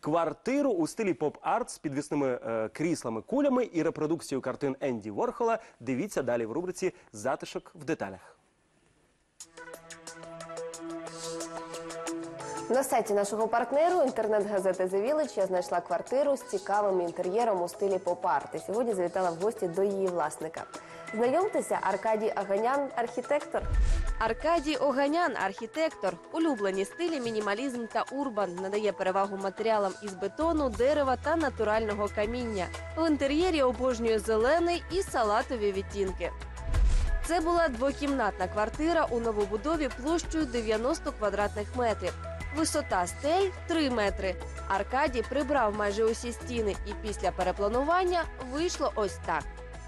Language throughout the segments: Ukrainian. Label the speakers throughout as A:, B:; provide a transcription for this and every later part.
A: квартиру у стилі поп-арт з підвісними кріслами-кулями і репродукцією картин Енді Ворхола. Дивіться далі в рубриці «Затишок в деталях».
B: На сайті нашого партнеру інтернет-газети «The Village» я знайшла квартиру з цікавим інтер'єром у стилі поп-арт. І сьогодні завітала в гості до її власника. Знайомтеся, Аркадій Оганян – архітектор.
C: Аркадій Оганян – архітектор. Улюблені стилі мінімалізм та урбан. Надає перевагу матеріалам із бетону, дерева та натурального каміння. В інтер'єрі обожнює зелений і салатові відтінки. Це була двокімнатна квартира у новобудові площею 90 квадратних метрів. Висота стель – 3 метри. Аркадій прибрав майже усі стіни і після перепланування вийшло ось так.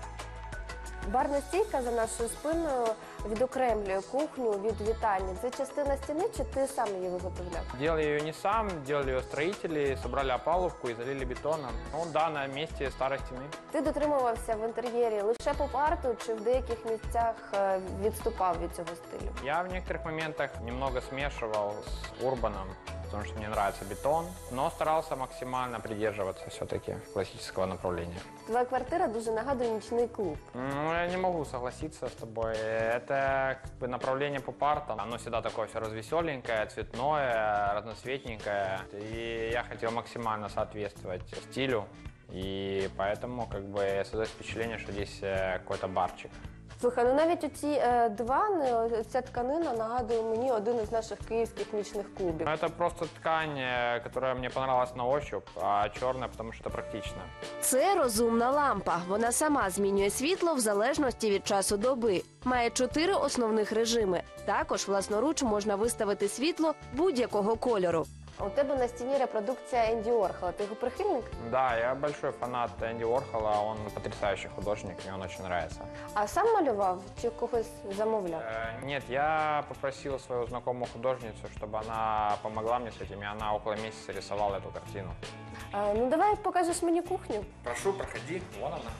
B: Барна стійка за нашою спиною відокремлює кухню від вітальні. Це частина стіни, чи ти сам її виготовляв?
D: Делал ее не сам, делали ее строители, собрали опалубку и залили бетоном. Ну да, на месте старой стены.
B: Ти дотримувався в інтер'єрі лише поп-арту, чи в деяких місцях відступав від цього стилю?
D: Я в некоторых моментах немного смешивал с урбаном, потому что мне нравится бетон, но старался максимально придерживаться все-таки классического направления.
B: Твоя квартира дуже нагадує нічний клуб.
D: Ну, я не могу согласиться с тобой. Это как бы направление поп-арта. Оно всегда такое все развеселенькое, цветное, разноцветненькое. И я хотел максимально соответствовать стилю. И поэтому как бы создается впечатление, что здесь какой-то барчик.
B: Слухай, ну навіть оці дивани, ця тканина нагадує мені один із наших київських нічних клубів.
D: Это просто ткань, которая мне понравилась на ощупь, а черная, потому что это практично.
C: Це розумна лампа. Вона сама змінює світло в залежності від часу доби. Має 4 основних режими. Також власноруч можна виставити світло будь-якого кольору.
B: У тебе на стіні репродукція Енді Ворхола. Ти його прихильник?
D: Да, я большой фанат Энди Уорхола, он потрясающий художник, мне он очень нравится.
B: А сам малював чи когось замовляв?
D: Нет, я попросил свою знакомую художницу, чтобы она помогла мне с этим, и она около месяца рисовала эту картину.
B: Ну давай покажеш мені кухню.
D: Прошу, проходи, вон она.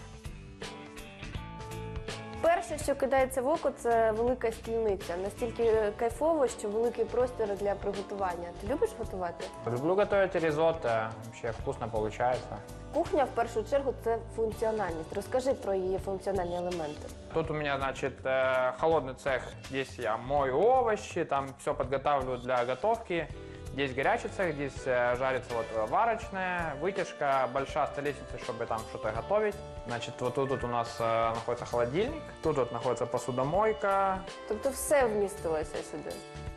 B: Перше, що кидається в око, це велика стільниця. Настільки кайфово, що великий простір для приготування. Ти любиш готувати?
D: Люблю готовить ризотто, вообще вкусно получается.
B: Кухня, в першу чергу, це функціональність. Розкажи про її функціональні елементи.
D: Тут у меня, значит, холодный цех. Здесь я мою овощи, там все подготавливаю для готовки. Здесь горячий цех, здесь жарится вот варочная, вытяжка, большая столешница, чтобы там что-то готовить. Значит, вот тут у нас находится холодильник, тут вот находится посудомойка.
B: Тобто все вмістилося сюди.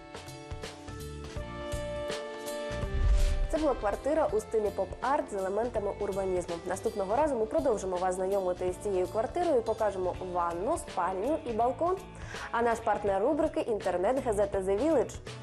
B: Це була квартира у стилі поп-арт з елементами урбанізму. Наступного разу ми продовжимо вас знайомити із цією квартирою і покажемо ванну, спальню і балкон. А наш партнер рубрики – інтернет-газета «The Village».